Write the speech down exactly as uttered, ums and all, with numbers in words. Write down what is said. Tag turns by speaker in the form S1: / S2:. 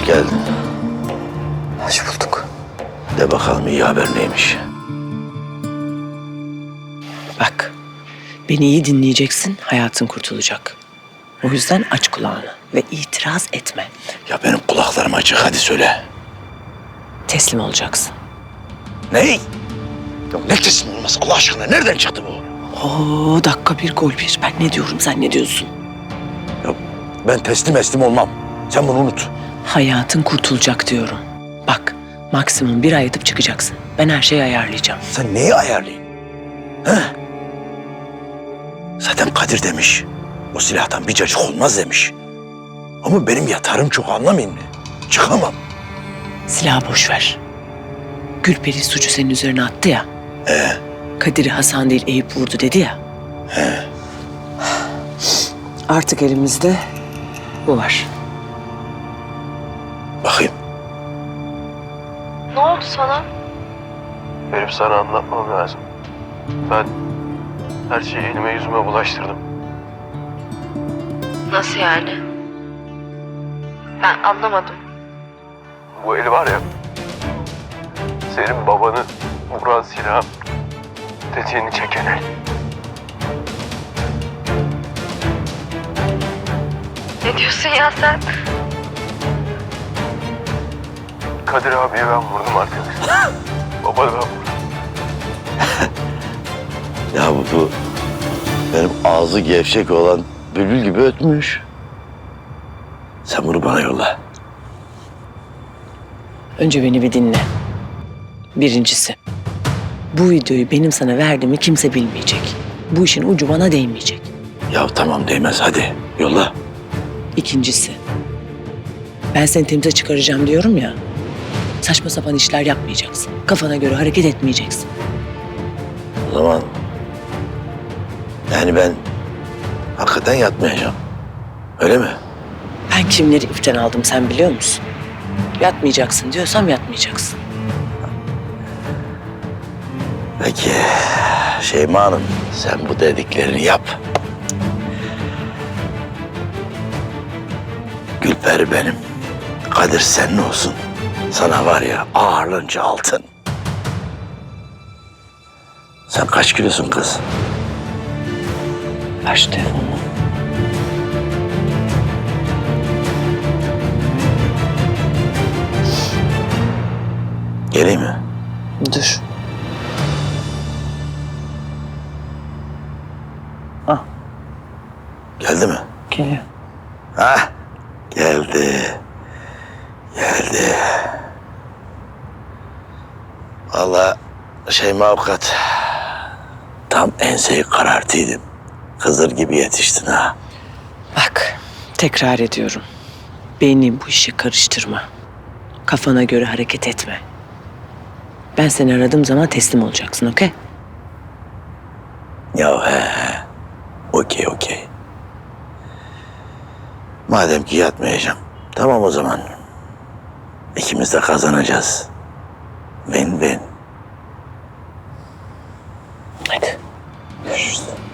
S1: geldin.
S2: Hoş bulduk.
S1: De bakalım iyi haber neymiş?
S2: Bak, beni iyi dinleyeceksin, hayatın kurtulacak. O yüzden aç kulağını ve itiraz etme.
S1: Ya benim kulaklarım açık, hadi söyle.
S2: Teslim olacaksın.
S1: Ney? Ya ne teslim olması Allah aşkına? Nereden çıktı bu?
S2: Oo, dakika bir gol bir. Ben ne diyorum, sen ne diyorsun?
S1: Ya ben teslim eslim olmam. Sen bunu unut.
S2: Hayatın kurtulacak diyorum. Bak, maksimum bir ay yatıp çıkacaksın. Ben her şeyi ayarlayacağım.
S1: Sen neyi ayarlayın? He? Zaten Kadir demiş. O silahtan bir cacık olmaz demiş. Ama benim yatarım çok, anlamayın mı? Çıkamam.
S2: Silahı boş ver. Gülperi suçu senin üzerine attı ya.
S1: Ee?
S2: Kadir'i Hasan değil Eyüp vurdu dedi ya.
S1: He.
S2: Artık elimizde bu var.
S1: Bakayım.
S3: Ne oldu sana?
S4: Benim sana anlatmam lazım. Ben her şeyi elime yüzüme bulaştırdım.
S3: Nasıl yani? Ben anlamadım.
S4: Bu el var ya, senin babanı vuran silah, tetiğini çeken el.
S3: Ne diyorsun ya sen?
S4: Kadir abiye ben vurdum arkadaşlar. Babanı ben vurdum.
S1: Ya bu, bu benim ağzı gevşek olan bülbül gibi ötmüş. Sen bunu bana yolla.
S2: Önce beni bir dinle. Birincisi, bu videoyu benim sana verdiğimi kimse bilmeyecek. Bu işin ucu bana değmeyecek.
S1: Ya tamam değmez, hadi yolla.
S2: İkincisi, ben seni temize çıkaracağım diyorum ya. Saçma sapan işler yapmayacaksın. Kafana göre hareket etmeyeceksin.
S1: O zaman yani ben hakikaten yatmayacağım. Öyle mi?
S2: Ben kimleri ipten aldım sen biliyor musun? Yatmayacaksın diyorsam yatmayacaksın.
S1: Peki Şeyma Hanım, sen bu dediklerini yap. Gülperi benim. Kadir senin olsun. Sana var ya ağırlınca altın. Sen kaç kilosun kız?
S2: Ver şu telefonunu.
S1: Geleyim mi?
S2: Dur. Ah,
S1: Geldi mi?
S2: geliyor.
S1: Ha? Geldi. Geldi. Vallahi Şeyma avukat, tam enseyi karartıydım. Hızır gibi yetiştin ha.
S2: Bak, tekrar ediyorum. Beni bu işe karıştırma. Kafana göre hareket etme. Ben seni aradığım zaman teslim olacaksın, okey?
S1: Ya he he. Okey okey. Madem ki yatmayacağım. Tamam o zaman. İkimiz de kazanacağız. Win win.
S2: Hadi. Görüşürüz.